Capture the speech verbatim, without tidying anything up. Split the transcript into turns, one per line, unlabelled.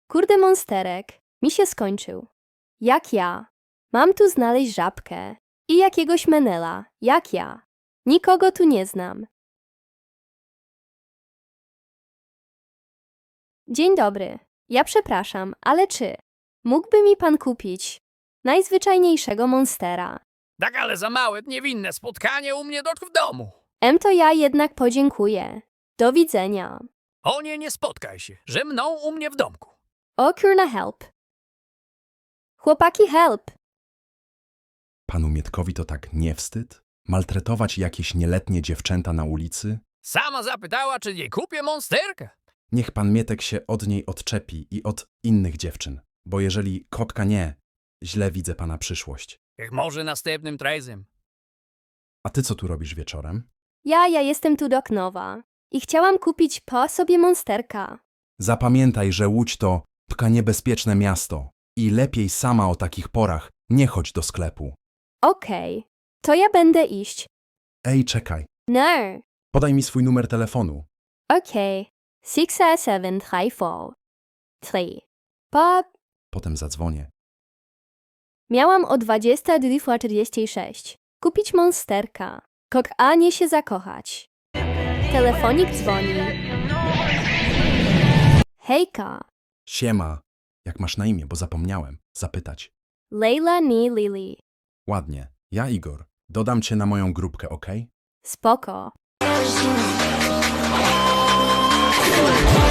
Kurde monsterek, mi się skończył. Jak ja? Mam tu znaleźć żabkę i jakiegoś menela, jak ja. Nikogo tu nie znam. Dzień dobry, ja przepraszam, ale czy mógłby mi pan kupić najzwyczajniejszego monstera?
Tak, ale za małe, niewinne spotkanie u mnie dotk w domu.
Em to ja jednak podziękuję. Do widzenia.
O nie, nie spotkaj się, że mną u mnie w domku.
O kurna help. Chłopaki help.
Panu Mietkowi to tak nie wstyd? Maltretować jakieś nieletnie dziewczęta na ulicy?
Sama zapytała, czy jej kupię monsterkę.
Niech pan Mietek się od niej odczepi i od innych dziewczyn, bo jeżeli kotka nie, źle widzę pana przyszłość.
Jak może następnym razem.
A ty co tu robisz wieczorem?
Ja, ja jestem tu do Knowa i chciałam kupić po sobie monsterka.
Zapamiętaj, że Łódź to tka niebezpieczne miasto i lepiej sama o takich porach nie chodź do sklepu.
Okej, to ja będę iść.
Ej, czekaj,
No.
podaj mi swój numer telefonu.
Okej. six seven three four three. Pop.
Potem zadzwonię.
Miałam o dwadzieścia dwa czterdzieści sześć. Kupić monsterka. Kok a nie się zakochać. Telefonik dzwoni. Hejka.
Siema. Jak masz na imię, bo zapomniałem zapytać.
Leila ni Lili.
Ładnie. Ja Igor. Dodam cię na moją grupkę, okej?
Spoko.